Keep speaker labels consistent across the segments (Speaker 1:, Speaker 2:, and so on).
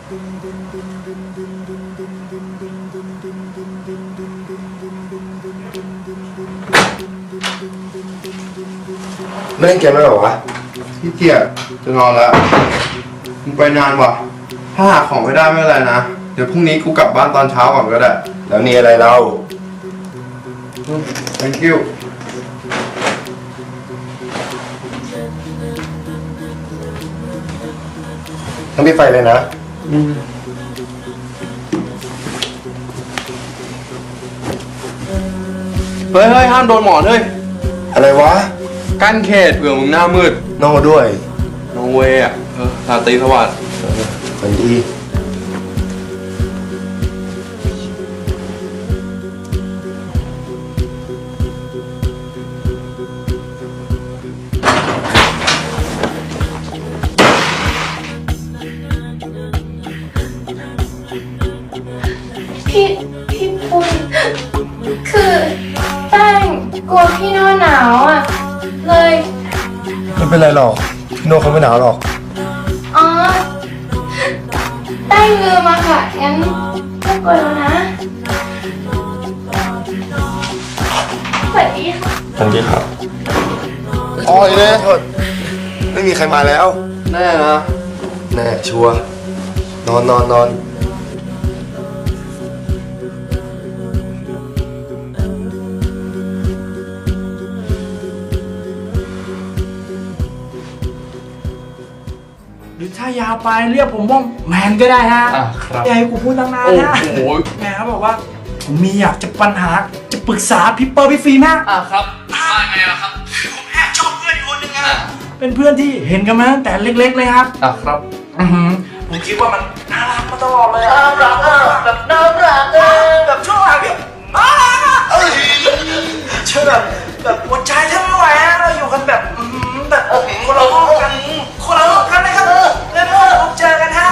Speaker 1: ไม่เล่นเกมแล้วเหรอวะพี่เกียจจะนอนแล้วมึงไปนานวะถ้าหาของไม่ได้ไม่เป็นไรนะเดี๋ยวพรุ่งนี้กูกลับบ้านตอนเช้าก่อนก็ได้แล้วนี่อะไรเรา thank you ต้องปิดไฟเลยนะ
Speaker 2: เฮ้ยห้ามโดนหมอนเฮ้ย
Speaker 1: อะไรวะ
Speaker 2: กั้นเขตเผื่อมึงหน้ามืด
Speaker 1: โน่ด้วย
Speaker 2: โนเวย์อ่ะราตรีสวัสดิ์
Speaker 1: ฝันดี
Speaker 3: พี่ปุณคือแป้งกลัวพี่โน่หนาวอ่ะเลย
Speaker 1: ไม่เป็นไรหรอกพี่โน่เขาไม่หนาวหรอก
Speaker 3: อ๋อแป้งลืมมาค่ะงั้นก็กลัวแล้วนะสวัสดีค่ะ
Speaker 1: สวัสดีครับอ๋อเนี่ยโทษไม่มีใครมาแล้ว
Speaker 2: แน่นะ
Speaker 1: แน่ชัวร์นอน
Speaker 4: หรือถ้ายาวไปเรียกผมว่าแมนก็ได้ฮะ
Speaker 2: ครับ
Speaker 4: อย่าให้กูพูดตั้งนาน
Speaker 2: โอ้
Speaker 4: นะ
Speaker 2: โห
Speaker 4: แมนเขาบอกว่าผมมีอยากจะปัญหาจะปรึกษาพี่เปอร์พี่ฟิล์มฮะ
Speaker 2: ครับว่าไงล่ะครับ
Speaker 4: ผมแอบชอบเพื่อนอีกคนนึงฮะเป็นเพื่อนที่เห็นกันมาตั้งแต่เล็กๆเลยครับ
Speaker 2: ครับ
Speaker 4: ผมคิดว่ามันน่ารักมาตลอดเลยน่ารักแบบน่ารักแบบช่วงหลังเนี่ยน่ารักอ่ะเชื่อแบบหัวใจแทบไม่ไหวฮะเราอยู่กันแบบแบบคนละห้องกันนะครับแล้วก็พบเจอกันฮะ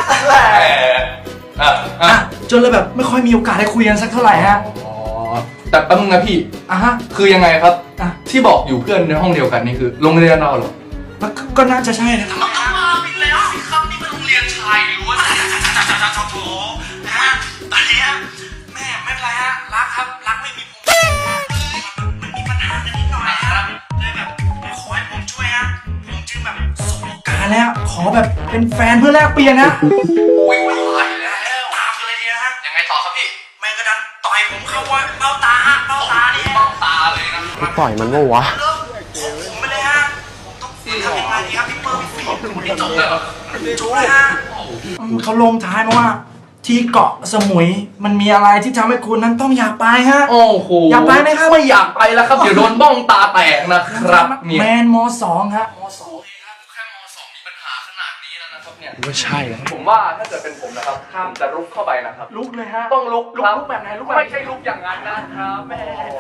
Speaker 4: จนเลยแบบไม่ค่อยมีโอกาสได้คุยกันสักเท่าไหร่ฮะ
Speaker 2: อ๋อแต่แป๊บนึงนะพี่
Speaker 4: ฮะ
Speaker 2: คือยังไงครับ
Speaker 4: อ่ะ
Speaker 2: ที่บอกอยู่เพื่อนในห้องเดียวกันนี่คือโรงเรียนเราเหรอ
Speaker 4: ก็น่าจะใช่นะ
Speaker 5: มันต้องมาปิดแล้วสิครับนี่มันโรงเรียนชายล้วนโถนะฮะตอนนี้แม่ไม่เป็นไรฮะรักครับรักไม่มีผมมันมีปัญหากันนิดหน่อยครับเลยแบบขอให้ผมช่วยฮะผมจึงแบบสบโอกาส
Speaker 4: การแล้วขอแบบเป็นแฟนเพื่อแลกเปลี่ยนนะ
Speaker 5: วิ่งไปแล้วตามกันเลยดีนะฮะ
Speaker 2: ยังไงต่อครับพี่
Speaker 5: แม่งก็ดันต่อยผมเข้าว่าเบ้าตานี่
Speaker 2: เบ้าตาเลยนะ
Speaker 1: ปล่อยมันว่าวะ
Speaker 5: เลิกผมไปเลยฮะผมต้องทำยังไงดีครับพี่เปิ้ลพี่ฟิล์มวันนี้จบเลยจบเลยฮะ
Speaker 4: เขาลงท้ายมาว่า ที่เกาะสมุยมันมีอะไรที่ทำให้คุณนั้นต้องอยากไปฮะ
Speaker 2: โอ้โห
Speaker 4: อยากไปไหมครับ
Speaker 2: ไม่อยากไปแล้วครับ เดี๋ยวโดนบ้องตาแตกนะครับเนี่ย
Speaker 4: แมนม2ฮะม
Speaker 2: แค่ม.2 มีปัญหาขนาดนี้แล้วนะครับเนี่ย
Speaker 1: ไม่ใช่แล้ว
Speaker 2: ผมว่าถ้าเกิดเป็นผมนะครับห้ามจะลุกเข้าไปนะครับ
Speaker 4: ลุกเลยฮะ
Speaker 2: ต้องลุกครับ
Speaker 4: ลุกแบบไหนลุกแบบไหน
Speaker 2: ไม่ใช่ลุกอย่างนั้นนะครับแหม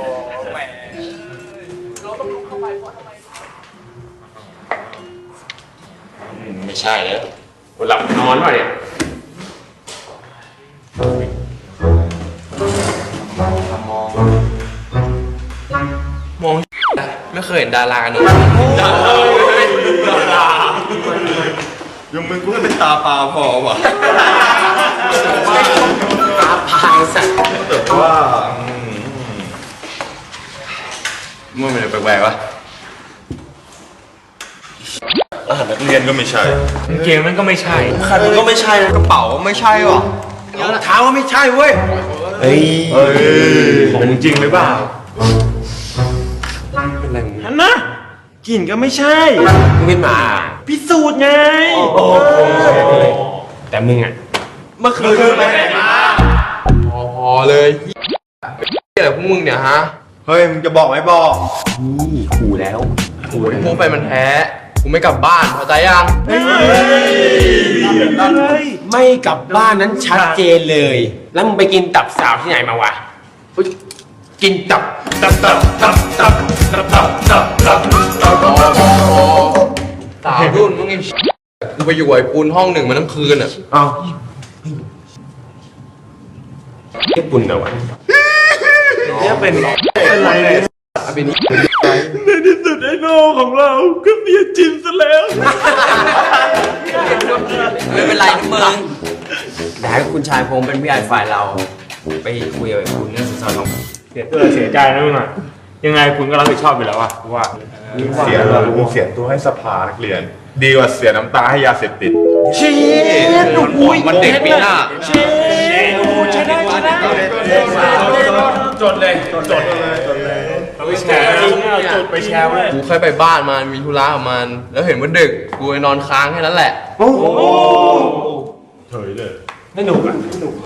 Speaker 2: เราต้องลุกเข้าไปเพราะทำไม
Speaker 6: ไม่ใช่แล้วหลับนอนวะเนี่ยมองไม่เคยเห็นดารากันหรอ
Speaker 1: ยังมึงกูให้เป็นตาปลาพอวะ
Speaker 6: ตาพายสัตว์
Speaker 1: แต่ว่า
Speaker 6: มันเป็นแปลกๆวะอาหารนักเรียนก็ไม่ใช่
Speaker 4: เกมนั้นก็ไม่ใช่
Speaker 1: ขันก็ไม่ใช่กระเป๋าไม่ใช่หรอรองเท้าก็ไม่ใช่เว้ยเฮ้ยของจริงหรือเปล่าฮันนะกลิ่นก็ไม่ใช่
Speaker 6: มึงเป็นหมา
Speaker 1: พิสูจน์ไง
Speaker 6: แต่มึงอ่ะ
Speaker 1: เมื่อคืนไปไหนมา
Speaker 2: พอเลยอะไรพวกมึงเนี่ยฮะ
Speaker 1: เฮ้ยมึงจะบอกไหมบอก
Speaker 6: นี่ขู่แล้ว
Speaker 2: พวกไปมันแพ้กูไม่กลับบ้านเข้าใจยัง
Speaker 6: ไม่กลับบ้านนั้นชัดเจนเลย แล้วมึงไปกินตับสาวที่ไหนมาวะ
Speaker 2: กินตับสาวรุ่นมึงไอ้กูไปอยู่ไอ้ปูนห้องหนึ่งมาทั้งคืนอ่ะ
Speaker 6: เอ้าไอ้ปุ่นเหรอวะ
Speaker 1: เนี่ยเป็นไรเนี่ย
Speaker 2: เป็น
Speaker 1: ในที่สุดไอ้โน่ของเราก็เมียจินซะแล้ว
Speaker 5: ไม่เป็นไรนะมึง
Speaker 6: ชายพงเป็นผู้ใหญ่ฝ่ายเรา ไปคุยกับไอ้คุณเรื่องสินสอดทอง
Speaker 7: เสียใจนะมึงอ่ะยังไงคุณก็รับผิดชอบอยู่แล้วอะว่า
Speaker 8: เสียตัวให้สภานักเรียน ดีกว่าเสียน้ำตาให้ยาเสพติด
Speaker 2: มันเด็กปีหน้า
Speaker 7: จดเลยเราไปแชร์จดไปแชร์เลย
Speaker 2: กูเคยไปบ้านมันมีธุระกับมัน แล้วเห็นว่าดึกกูไปนอนค้างแค่นั้นแหละ
Speaker 7: เฉยเลยไม่หนุกอ่ะ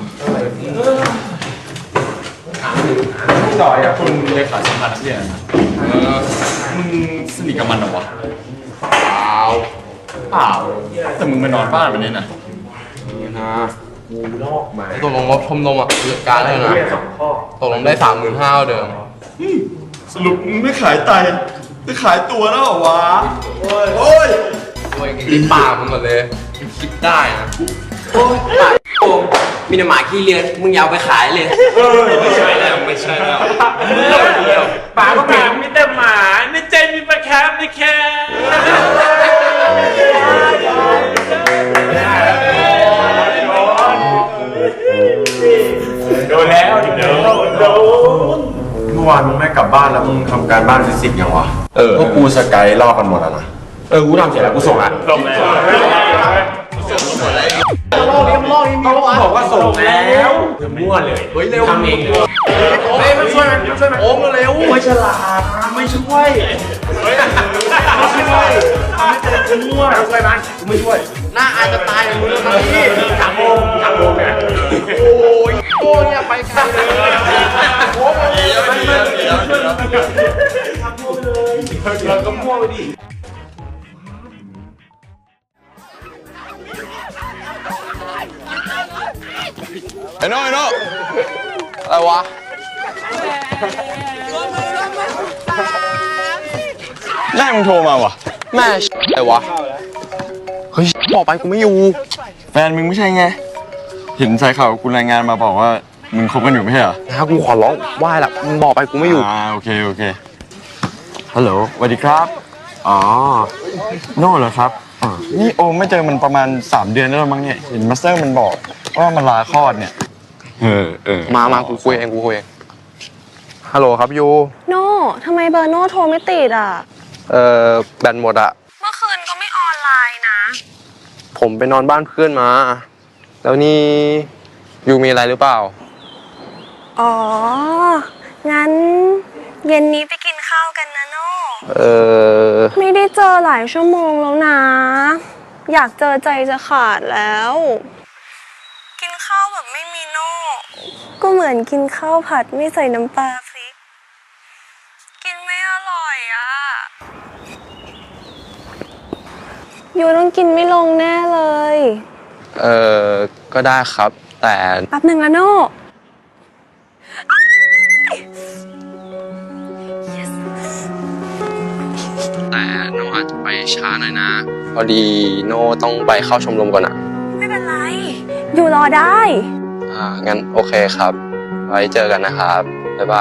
Speaker 8: คุณเลขาสัมพันธ์นักเรียนมึงสนิทกับมันเหรอวะ เปล่า แต่มึงไปนอนบ้านมันเนี่ยนะ
Speaker 2: ตกลงงบชมรมอ่ะจัดการได้นะตกลงได้ 35,000เดิม
Speaker 8: สรุปมึงไม่ขายไตจะขายตัวแล้วเหรอวะ โอ้ย
Speaker 2: โอ้ยกินปากมึงก่อนเลยคิดได้นะ
Speaker 6: มีแต่หมาขี้เลือนมึงอยาวไปขายเลย
Speaker 8: ไม่ใช่แล้ว
Speaker 7: ปากก็หมามีแต่หมาในใจมีปลาแคบในแคโดนแล้วโดน
Speaker 1: เมื่อวานมึงไม่กลับบ้านแล้วมึงทำการบ้านฟิสิกส์ยังวะพวกกูสกายลอกกันหมดแล้วนะ
Speaker 6: กูทำเสร็จแล้วกูส่งละ
Speaker 7: ลงแล้ว
Speaker 6: บอกว่าส่งแล้วมั่วเลย
Speaker 2: เฮ้ยเร็ว
Speaker 6: ทำเองเลย
Speaker 2: เฮ้ยมันช่วยโอ้งเร็ว
Speaker 7: ไม่ฉลาดไม่ช่วยมั่วเราช่วยมันกูไม่ช่วย
Speaker 2: หน้าอายจะตายมึงเลยนี่
Speaker 7: ถามโมเนี่ย
Speaker 2: โอ้ยโอ้ยเนี่ยไปไกลเลยโอ้ย
Speaker 7: เราก็มั่วไปดิ
Speaker 2: ไอ้โน่อะไรวะ
Speaker 8: แม่มึงโทรมาวะ
Speaker 2: แม่อะไรวะ เฮ้ยบอกไปกูไม่อยู่
Speaker 8: แฟนมึงไม่ใช่ไง เห็นสายข่าวกูรายงานมาบอกว่ามึงคบกันอยู่ไม่ใช่เหรอ
Speaker 2: นะกูขอร้องไหว้ละมึงบอกไปกูไม่อยู่
Speaker 8: โอเค ฮัลโหลสวัสดีครับ อ๋อ โน่เหรอครับนี่โอมไม่เจอมันประมาณ3 เดือนแล้วมั้งเนี่ย เห็นมาสเตอร์มันบอกว่ามันลาคลอดเนี่ย
Speaker 2: มากูคุยเองฮัลโหลครับยู
Speaker 3: โน่ทำไมเบอร์โน่โทรไม่ติดอ่ะ
Speaker 2: แบตหมดอะ
Speaker 3: เมื่อคืนก็ไม่ออนไลน์นะ
Speaker 2: ผมไปนอนบ้านเพื่อนมา แล้วนี่ยูมีอะไรหรือเปล่า
Speaker 3: อ๋อ งั้นเย็นนี้ไปกินข้าวกันนะโน่ ไม่ได้เจอหลายชั่วโมงแล้วนะ อยากเจอใจจะขาดแล้ว กินข้าวแบบไม่มีโน่ ก็เหมือนกินข้าวผัดไม่ใส่น้ำปลาพริก กินไม่อร่อยอ่ะยูต้องกินไม่ลงแน่เลย
Speaker 2: ก็ได้ครับ แต่
Speaker 3: แป๊บหนึ่งนะโน่
Speaker 2: โนอาจจะไปช้าหน่อยนะ พอดีโนต้องไปเข้าชมรมก่อนอะ
Speaker 3: ไม่เป็นไร อยู่รอได้
Speaker 2: งั้นโอเคครับ ไว้เจอกันนะครับ บ๊ายบาย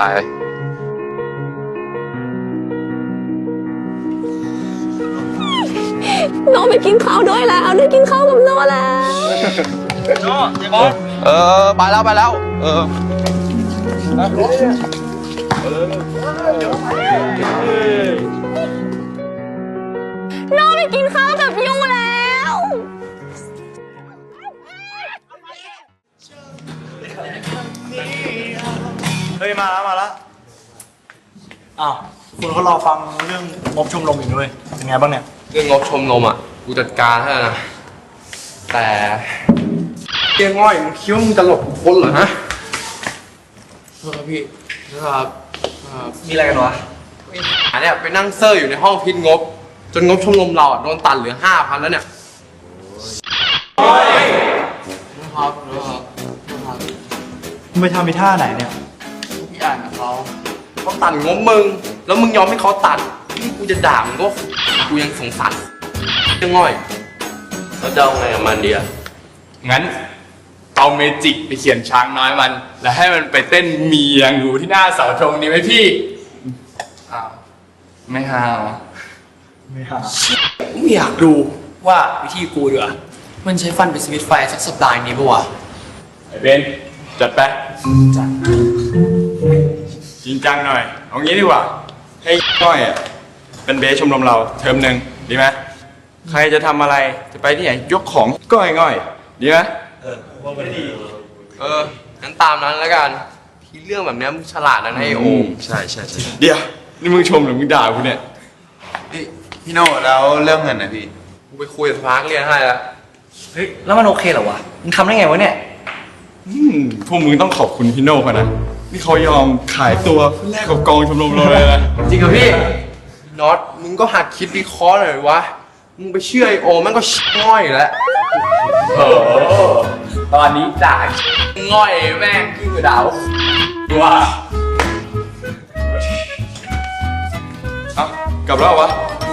Speaker 3: โน่ไปกินข้าวด้วยแล้ว ได้กินข้าวกับโน่แล้ว
Speaker 2: ไปแล้ว
Speaker 3: โน่ไปกินข้าวกับยูแล้ว
Speaker 4: เฮ้ยมาแล้วอ้าวคุณเขารอฟังเรื่องงบชมรมอยู่ด้วยเป็นไงบ้างเนี่ย
Speaker 2: เรื่องงบชมรมอ่ะ กูจัดการให้แล้วนะ แต่เกียง่อยมึงคิดว่ามึงจะหลบกูพ้นเหรอฮะโทษครับพี่นะครับ
Speaker 4: มีอะไรกันวะ
Speaker 2: อันเนี้ยไปนั่งเซอร์อยู่ในห้องพิดงบ จนงบชมรมเราอ่ะโดนตัดเหลือ 5,000 แล้วเนี่ยนะครับ
Speaker 4: มึงไปทำไปท่าไหนเนี่ย
Speaker 2: พี่อ่านกับเขาตัดงบมึง แล้วมึงยอมให้เขาตัดนี่กูจะด่ามึงก็กูยังสงสารเกียง่อยแล้วจะเอาไงกับมันดีอ่ะ
Speaker 7: งั้นเอาเมจิกไปเขียนช้างน้อยมัน แล้วให้มันไปเต้นเมียงอยู่ที่หน้าเสาธงนี้ไหมพี่ไม่ฮาว
Speaker 9: ไม่อยากดูว่าวิธีกูดีกว่ามันใช้ฟันไปสวิตช์ไฟสักสัปดาห์นี้ปะวะ
Speaker 8: ไอ้เบนจัดไปจริงจังหน่อย เอางี้ดีกว่า ให้ก้อยอ่ะเป็นเบสชมรมเราเทอมหนึ่งดีไหมใครจะทำอะไรจะไปที่ไหนยกของก้อยง่อยดีไหม
Speaker 2: งั้นตามนั้นแล้วกันที่เรื่องแบบเนี้ยมึงฉลาดนะไอโอม
Speaker 8: ใช่เดี๋ยวนี่มึงชมหรือมึงด่ากูเนี่ย
Speaker 1: พี่โน่แล้วเรื่องเงินนะพี่
Speaker 2: กูไปคุยกับสภานักเรียนให้แล้ว
Speaker 4: เฮ้ย แล้วมันโอเคเหรอวะ มึงทำได้ไงวะเนี่ย
Speaker 8: พวกมึงต้องขอบคุณพี่โน่เขานะนี่เขายอมขายตัวแลกกับกองชมรมเราเลยนะ
Speaker 2: จริงเหรอพี่น็อตมึงก็หัดคิดวิเคราะห์หน่อยวะมึงไปเชื่อไอโอมมันก็ง่อยแล้ว
Speaker 7: โอ้ตอนนี้ด่าง่อยแม่งยิ่งกว่าดาวว่า
Speaker 8: เอ้ากลับแล้ววะ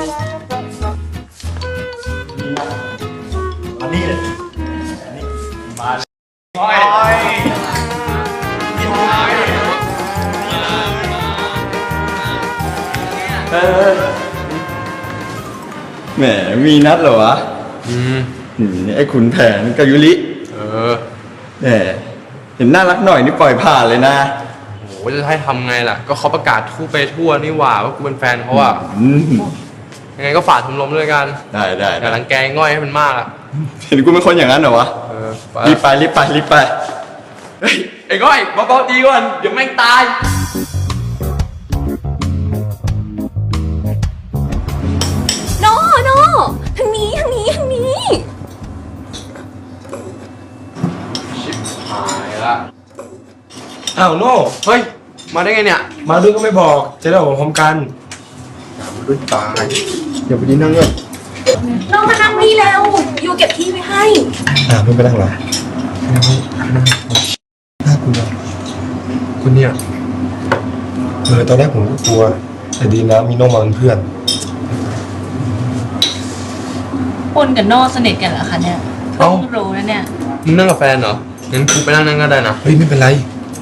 Speaker 8: แหมมีนัดเหรอวะไอ้ขุนแผนกับยุริแหมเห็นน่ารักหน่อยนี่ปล่อยผ่านเลยนะ
Speaker 2: โหจะให้ทำไงล่ะ ก็เขาประกาศทั่วไปทั่วนี่หว่ากูเป็นแฟนเขาอะ ยังไงก็ฝากชมรมด้วยกัน
Speaker 8: ได้
Speaker 2: อย่ารังแกง่อยให้มันมากอะ
Speaker 8: เห็นกูเป็นคนอย่างนั้นเหรอวะ
Speaker 2: ไป
Speaker 8: รีบไป
Speaker 2: เฮ้ยไอ้ง่อยเบาๆดีก่อนเดี๋ยวแม่งตาย
Speaker 3: โน่ทางนี้
Speaker 2: หายละ
Speaker 6: อ้าวโน่
Speaker 2: เฮ้ย มาได้ไงเนี่ย
Speaker 6: มาด้วยก็ไม่บอก จะได้ออกพร้อมกัน
Speaker 1: ด้วยตายเดี๋ยวไปดีนั่งเงิน
Speaker 3: น้องมานั่งนี่แล้วอยู่เก็บที่ไว้ให้
Speaker 1: ไม่ไปนั่งหรอน่ากลัวคุณเนี่ยตอนแรกผมก็กลัว แต่ดีนะมีน้องมาเป็นเพื่อน
Speaker 9: ปนกับโน่สนิทกันเหรอคะเนี่ยเพิ่งรู้นะเนี่ย
Speaker 2: มึงนั่งกับแฟนเหรอ งั้นกูไปนั่งก็ได้นะ
Speaker 1: เฮ้ยไม่เป็นไร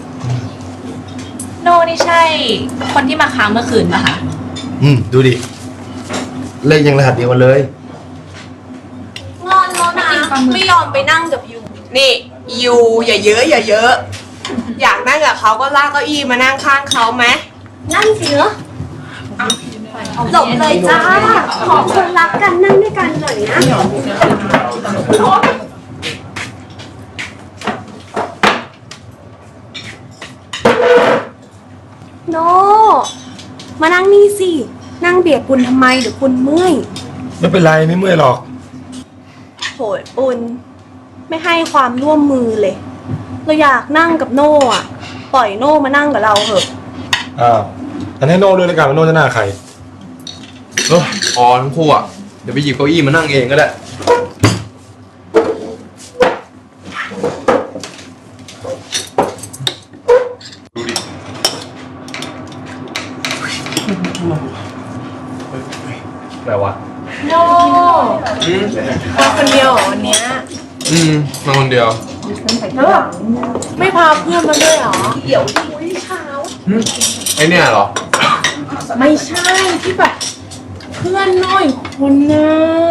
Speaker 9: โน่นี่ใช่ คนที่มาค้างเมื่อคืนปะคะ
Speaker 1: ดูดิ เลขยังรหัสเดียวกันเลย
Speaker 3: งอนแล้วนะ ไม่ยอมไปนั่งกับยู นี่ยูอย่าเยอะอยากนั่งกับเขาก็ลากเก้าอี้มานั่งข้างเขาไหมนั่งสิเนอะหลบเลยจ้า ขอคนรักกันนั่งด้วยกันหน่อยนะโนมานั่งนี่สิ นั่งเบียดปุนทำไมเดี๋ยวปุนเมื่อย
Speaker 1: ไม่เป็นไรไม่เมื่อยหรอก
Speaker 3: โหยปุนไม่ให้ความร่วมมือเลย เราอยากนั่งกับโน่อะปล่อยโน่มานั่งกับเราเถอะ
Speaker 1: อ้าวอันให้โน่ด้วยแล้วกันว่าโน่จะหน้าใคร
Speaker 2: พอทั้งคู่อะเดี๋ยวไปหยิบเก้าอี้มานั่งเองก็ได้
Speaker 7: แปลว่า
Speaker 3: โน่มาคนเดียวเหรอวันเนี้ย
Speaker 2: มาคนเดียว
Speaker 3: ไม่พาเพื่อนมาด้วยเหรอ เดี๋ยวคุยเช้า
Speaker 2: ไอเนี่ยเหรอ
Speaker 3: ไม่ใช่ที่แบบเพื่อนน้อยคนน่ะ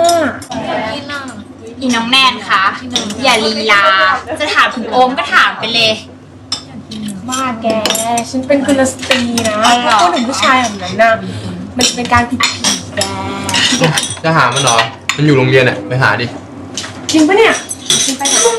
Speaker 9: อีน้องแนนคะ อย่าลีลา จะถามถึงโอมก็ถามไปเลย
Speaker 3: บ้าแก ฉันเป็นกุลสตรีนะ
Speaker 9: อ๋อเหรอ
Speaker 3: ถ้าพูดถึงผู้ชายแบบนั้นน่ะมันจะเป็นการผิดแก
Speaker 2: จะหามันเหรอ มันอยู่โรงเรียนเนี่ยไปหาดิ
Speaker 3: จริงปะเนี่ยฉันไปหา